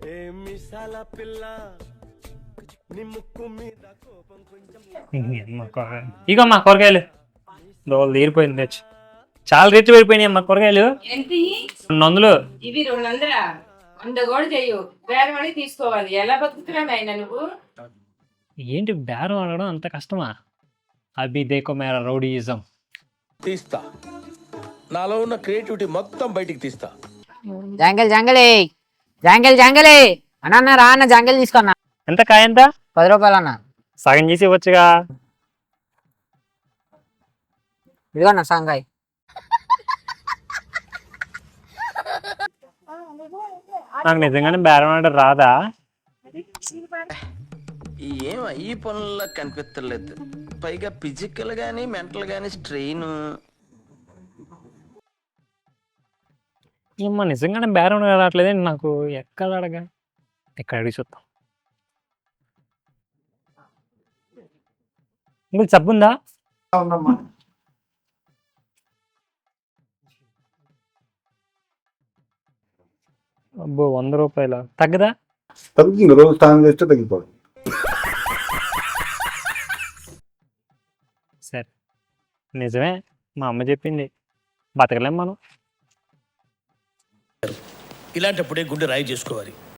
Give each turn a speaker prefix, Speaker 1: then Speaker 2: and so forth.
Speaker 1: ఇక మా కూరగాయలు దోలు తీరిపోయింది తెచ్చు చాలా రేట్లు పడిపోయినాయి అమ్మా కూరగాయలు.
Speaker 2: ఏంటి
Speaker 1: 200.
Speaker 2: ఇవి 200. 100 కూడా చెయ్యు, బేరం అడిగి తీసుకోవాలి. ఎలా బతుకుతున్నావు ఆయన నువ్వు?
Speaker 1: ఏంటి బేరం ఆడడం అంత కష్టమా? అభి దేకో మేరా రౌడీయిజం.
Speaker 3: తీస్తా, నాలో ఉన్న క్రియేటివిటీ మొత్తం బయటికి తీస్తా.
Speaker 4: జాంగల్ జాంగలే జాంగల్ జాంగలే అన్న రా అన్న జాంగల్ తీసుకున్నా.
Speaker 1: ఎంత కాయ ఎంత?
Speaker 4: 10 రూపాయలు అన్న.
Speaker 1: సగం చేసి ఇవ్వచ్చుగా.
Speaker 4: ఇదిగోన్న సాంగాయ్.
Speaker 1: నాకు నిజంగానే బేరం ఆడడం రాదా?
Speaker 3: ఏం ఈ పనుల్లో కనిపించలేదు, పైగా ఫిజికల్ గానీ మెంటల్ గానీ స్ట్రెయిన్.
Speaker 1: ఏమ్మా నిజంగానే బేరం రావట్లేదండి నాకు. ఎక్కడ అడగా, ఎక్కడ అడిగి చూద్దాం. ఇంకా సబ్బుందా? అబ్బో 100 రూపాయల తగ్గదా?
Speaker 5: తగ్గుతుంది, రోజు స్నానం చేస్తే తగ్గిపోతుంది.
Speaker 1: సరే నిజమే, మా అమ్మ చెప్పింది, బతకలేం మనం.
Speaker 3: ఇలాంటప్పుడే గుండె రాయి చేసుకోవాలి.